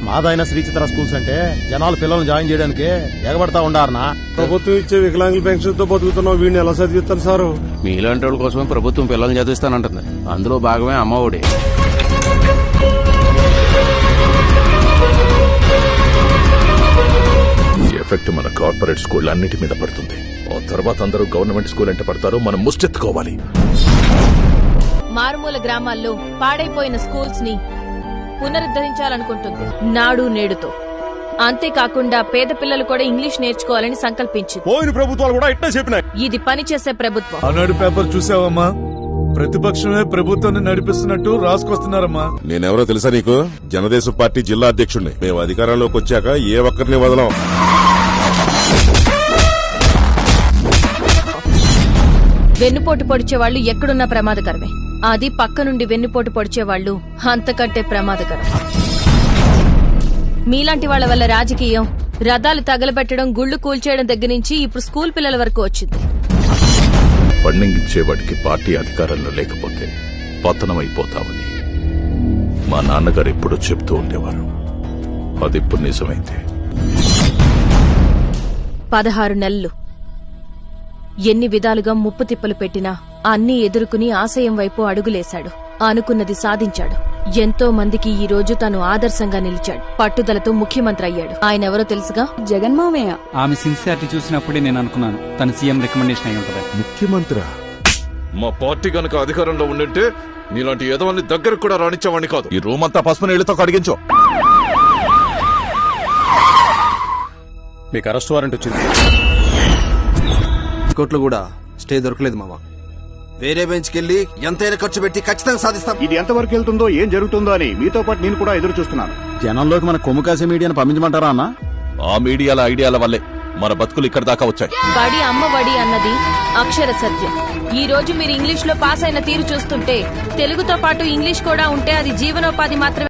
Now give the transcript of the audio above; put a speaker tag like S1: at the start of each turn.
S1: మాదైన శ్రీచిత్ర schools అంటే జనాలు పిల్లల్ని జాయిన్ చేయడానికి ఎగబడతా ఉండారనా.
S2: ప్రభుత్వం ఇచ్చే వికలాంగుల పెన్షన్ తో బతుకుతున్నాం, వీడిని ఎలా చదివిస్తారు సారు?
S3: మీలాంటి వాళ్ళ కోసమే ప్రభుత్వం పిల్లల్ని చదివిస్తానంటుంది. అందులో భాగమే అమ్మఒడి.
S4: ఎఫెక్ట్ మన కార్పొరేట్ స్కూల్ అన్నిటి మీద పడుతుంది. ఆ తర్వాత అందరూ గవర్నమెంట్ స్కూల్ అంటే పడతారు. మనం ముష్టెత్తుకోవాలి.
S5: మారుమూల గ్రామాల్లో పాడైపోయిన స్కూల్స్ ని పునరుద్ధరించాలనుకుంటుంది నాడు నేడుతో. అంతేకాకుండా పేద పిల్లలు కూడా ఇంగ్లీష్ నేర్చుకోవాలని సంకల్పించింది.
S2: పోయిన ప్రభుత్వాలు కూడా ఇట్లా చెప్పినాయి.
S5: ఇది పనిచేసే ప్రభుత్వం.
S6: ఆనాడు పేపర్ చూసావమ్మా? ప్రతిపక్షమే ప్రభుత్వాన్ని నడిపిస్తున్నట్టు రాసుకొస్తున్నారమ్మా.
S7: నేనెవరో తెలుసా నీకు? జనదేశం పార్టీ జిల్లా అధ్యక్షుడిని. మేము అధికారంలోకి వచ్చాక ఏ ఒక్కరిని వదలం.
S5: వెన్నుపోటు పొడిచేవాళ్లు ఎక్కడున్నా ప్రమాదకరమే. అది పక్క నుండి వెన్నుపోటు పొడిచేవాళ్లు అంతకంటే ప్రమాదకరం. మీలాంటి వాళ్ల వల్ల రాజకీయం, రథాలు తగలబెట్టడం, గుళ్లు కూల్చేయడం దగ్గర నుంచి ఇప్పుడు స్కూల్ పిల్లల వరకు వచ్చింది.
S4: ఫండింగ్ ఇచ్చేవాడికి పార్టీ అధికారంలో లేకపోతే పతనమైపోతామని మా నాన్నగారు ఎప్పుడూ చెప్తూ ఉండేవారు. అది ఇప్పుడు నిజమైంది.
S5: 16 నెలలు ఎన్ని విధాలుగా ముప్పు తిప్పలు పెట్టినా అన్నీ ఎదుర్కొని ఆశయం వైపు అడుగులేశాడు. అనుకున్నది సాధించాడు. ఎంతో మందికి ఈ రోజు తను ఆదర్శంగా నిలిచాడు. పట్టుదలతో ముఖ్యమంత్రి అయ్యాడు. ఆయన ఎవరో తెలుసుగా?
S8: జగన్మామయ్య.
S9: ఆమె సిన్సియారిటీ చూసినప్పుడే నేను అనుకున్నాను తన సీఎం రికమెండేషన్ అయి ఉంటది.
S7: ముఖ్యమంత్రి
S4: మా పార్టీ గనక అధికారంలో ఉండింటే నీలాంటి ఎదవల్ని దగ్గర కూడా రాణించేవాడిని కాదు. ఈ రూమ్ అంతా పసుపు నీళ్లతో కడిగించు.
S1: మీకు అరెస్ట్ వారెంట్ వచ్చింది.
S10: కోర్టులో కూడా స్టే దొరకలేదు మావా. వేరే బెంచ్కి వెళ్లి ఎంతైనా ఖర్చు పెట్టి ఖచ్చితంగా సాధిస్తాం.
S2: ఇది ఎంతవరకు వెళ్తుందో, ఏం జరుగుతుందో అని మీతో పాటు నేను కూడా ఎదురు చూస్తున్నాను.
S1: జనంలోకి మన కొమ్ము కాసే మీడియాను పంపించమంటారా అన్న?
S4: ఆ మీడియాల ఐడియాల వల్లే మన బతుకులు ఇక్కడ దాకా వచ్చాయి.
S5: బడి అమ్మ బడి అన్నది అక్షర సత్యం. ఈ రోజు మీరు ఇంగ్లీష్ లో పాస్ అయిన తీరు చూస్తుంటే తెలుగుతో పాటు ఇంగ్లీష్ కూడా ఉంటే అది జీవనోపాధి మాత్రమే.